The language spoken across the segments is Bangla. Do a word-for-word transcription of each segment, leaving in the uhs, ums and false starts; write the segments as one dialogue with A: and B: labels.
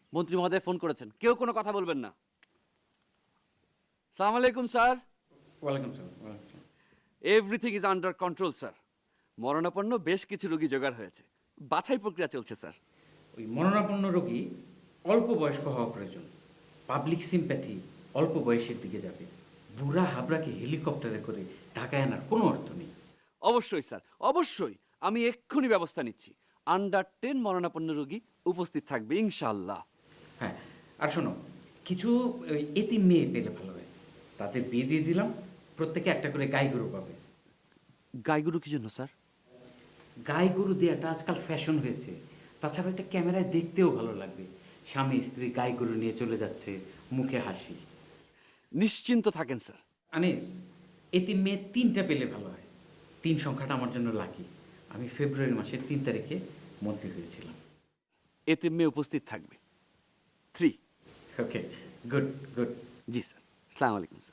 A: মন্ত্রী মহোদয় ফোন করেছেন, কেউ কোনো কথা বলবেন না। সালাম আলাইকুম স্যার।
B: ওয়ালাইকুম সালাম। ওয়ালাইকুম সালাম।
A: Everything is under control sir. মরণাপন্ন বেশ কিছু রোগী জোগাড় হয়েছে, বাছাই প্রক্রিয়া চলছে স্যার।
B: ওই মরণাপন্ন রোগী অল্প বয়স্ক হওয়া প্রয়োজন। পাবলিক সিম্প্যাথি অল্প বয়সের দিকে যাবে। বুড়া হাবড়াকে হেলিকপ্টারে করে ঢাকায় আনার কোনো অর্থ নেই।
A: অবশ্যই স্যার, অবশ্যই আমি এক্ষুনি ব্যবস্থা নিচ্ছি। আন্ডার টেন মরণাপন্ন রোগী উপস্থিত থাকবে ইনশাআল্লাহ।
B: হ্যাঁ, আর শোনো, কিছু ওই এতিম মেয়ে পেলে ভালো হয়, তাদের বিয়ে দিয়ে দিলাম, প্রত্যেকে একটা করে গাই গরু পাবে।
A: গাইগুরু কি জন্য স্যার?
B: গাই গরু দেওয়াটা আজকাল ফ্যাশন হয়েছে। তাছাড়া একটা ক্যামেরায় দেখতেও ভালো লাগবে, স্বামী স্ত্রী গাই গরু নিয়ে চলে যাচ্ছে, মুখে হাসি।
A: নিশ্চিন্ত থাকেন স্যার।
B: আনিস, এতিম মেয়ে তিনটা পেলে ভালো হয়। তিন সংখ্যাটা আমার জন্য লাকি। আমি ফেব্রুয়ারি মাসের তিন তারিখে মন্ত্রী হয়েছিলাম।
A: এতে মেয়ে উপস্থিত থাকবে থ্রি।
B: Okay, good good.
A: জি স্যার, আসসালামু আলাইকুম sir.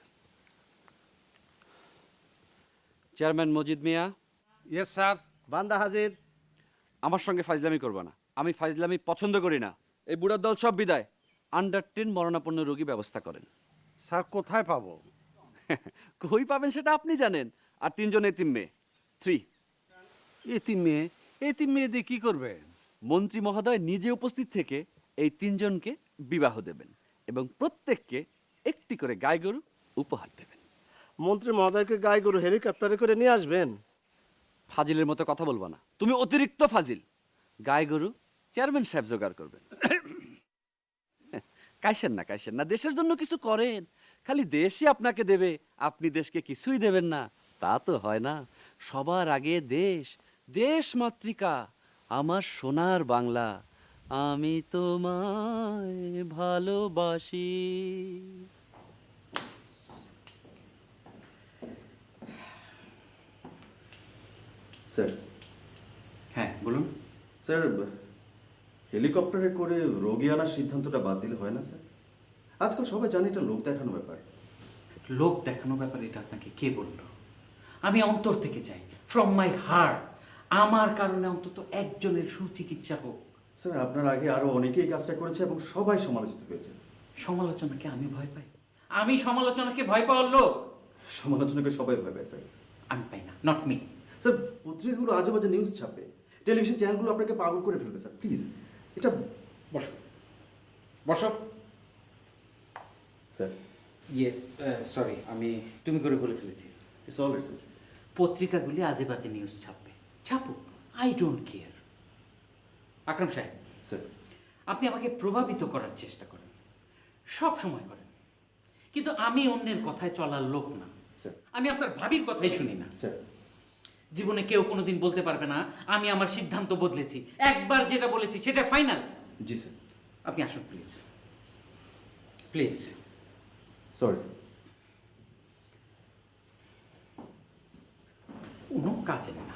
A: Chairman Majid Mia.
C: Yes sir. বান্দা হাজির।
A: আমার সঙ্গে ফাজলামি করবা না, আমি ফাজলামি পছন্দ করি না। এই বুড়ার দল সব বিদায়। আন্ডার টেন মরণাপন্ন রোগী ব্যবস্থা করেন।
C: স্যার কোথায় পাবো?
A: কই পাবেন সেটা আপনি জানেন। আর তিনজন এতিম মেয়ে থ্রি।
C: এতিম মেয়ে? এতিম মেয়ে দিয়ে কি করবে?
A: মন্ত্রী মহোদয় নিজে উপস্থিত থেকে এই তিনজনকে বিবাহ দেবেন এবং প্রত্যেককে একটি করে গাই গরু উপহার দেবেন।
D: মন্ত্রী মহোদয়কে গাই গরু হেলিকপ্টারে করে নিয়ে আসবেন?
A: ফাজিলের মতো কথা বলবো না, তুমি অতিরিক্ত ফাজিল। গাই গরু চেয়ারম্যান সাহেব জোগাড় করবেন। কাইসেন না, কাইসেন না, দেশের জন্য কিছু করেন। খালি দেশই আপনাকে দেবে, আপনি দেশকে কিছুই দেবেন না, তা তো হয় না। সবার আগে দেশ, দেশ মাতৃকা, আমার সোনার বাংলা। আমি তোমায় ভালোবাসি।
E: স্যার।
B: হ্যাঁ বলুন।
E: স্যার, হেলিকপ্টারে করে রোগী আনার সিদ্ধান্তটা বাদ দিলে হয় না স্যার? আজকাল সবাই জানে এটা লোক দেখানো ব্যাপার।
B: লোক দেখানো ব্যাপারে এটা আপনাকে কে বলল? আমি অন্তর থেকে চাই, ফ্রম মাই হার্ট, আমার কারণে অন্তত একজনের সুচিকিৎসা হোক।
E: স্যার, আপনার আগে আরো অনেকেই কাজটা করেছে এবং সবাই সমালোচিত হয়েছে।
B: সমালোচনাকে আমি ভয় পাই? আমি সমালোচনাকে ভয় পাওয়ার লোক?
E: সমালোচনাকে সবাই ভয় পায় স্যার।
B: আমি পাই না, নট মি।
E: স্যার, পত্রিকাগুলো আজে বাজে নিউজ ছাপে, টেলিভিশন চ্যানেলগুলো আপনাকে পাগল করে ফেলবে স্যার। প্লিজ এটা
B: বসো বসো।
E: স্যার,
B: ইয়ে সরি, আমি তুমি করে বলে ফেলেছি।
E: It's all right sir.
B: পত্রিকাগুলি আজে বাজে নিউজ ছাপবে, ছাপুক, আই ডোন্ট কেয়ার। আকরাম সাহেব
E: স্যার,
B: আপনি আমাকে প্রভাবিত করার চেষ্টা করেন, সব সময় করেন, কিন্তু আমি অন্যের কথায় চলার লোক না।
E: স্যার।
B: আমি আপনার ভাবির কথাই শুনি না।
E: স্যার,
B: জীবনে কেউ কোনোদিন বলতে পারবে না আমি আমার সিদ্ধান্ত বদলেছি। একবার যেটা বলেছি সেটা ফাইনাল।
E: জি স্যার।
B: আপনি আসুন প্লিজ, প্লিজ।
E: Sorry sir.
B: কোনো কাজে না।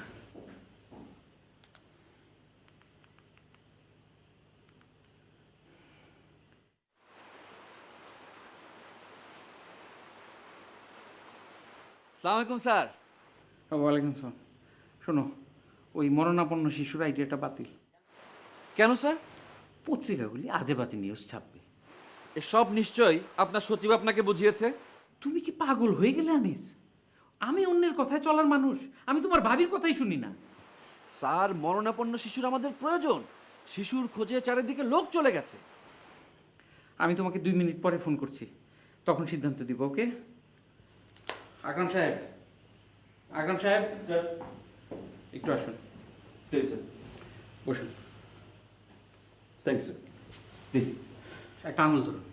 A: আসসালামু আলাইকুম স্যার।
B: ওয়ালাইকুম সালাম। শোনো, ওই মরণাপন্ন শিশুর আইডিয়াটা বাতিল।
A: কেন স্যার?
B: পত্রিকাগুলি আজে বাজে নিউজ ছাপবে।
A: এসব নিশ্চয়ই আপনার সচিব আপনাকে বুঝিয়েছে।
B: তুমি কি পাগল হয়ে গেলে আনিস? আমি অন্যের কথায় চলার মানুষ, আমি তোমার ভাবির কথাই শুনি না।
A: স্যার, মরণাপন্ন শিশুর আমাদের প্রয়োজন। শিশুর খোঁজে চারিদিকে লোক চলে গেছে।
B: আমি তোমাকে দুই মিনিট পরে ফোন করছি, তখন সিদ্ধান্ত দিব। ওকে? আকরাম সাহেব, আকরাম সাহেব
E: স্যার,
B: একটু আসুন।
E: Please sir.
B: বসুন।
E: Thank you sir. প্লিজ।
B: একটা আঙুল ধরুন।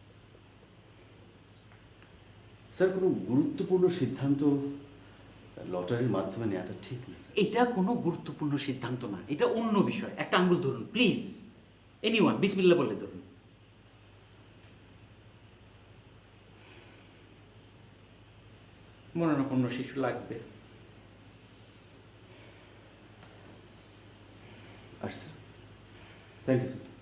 E: স্যার, কোনো গুরুত্বপূর্ণ সিদ্ধান্ত লটারির মাধ্যমে নেওয়াটা ঠিক না স্যার।
B: এটা কোনো গুরুত্বপূর্ণ সিদ্ধান্ত না, এটা অন্য বিষয়। একটা আঙুল ধরুন প্লিজ। এনিওয়ান, বিসমিল্লাহ বলে ধরুন। মরণাপন্ন শিশু লাগবে।
E: আচ্ছা স্যার, থ্যাংক ইউ স্যার।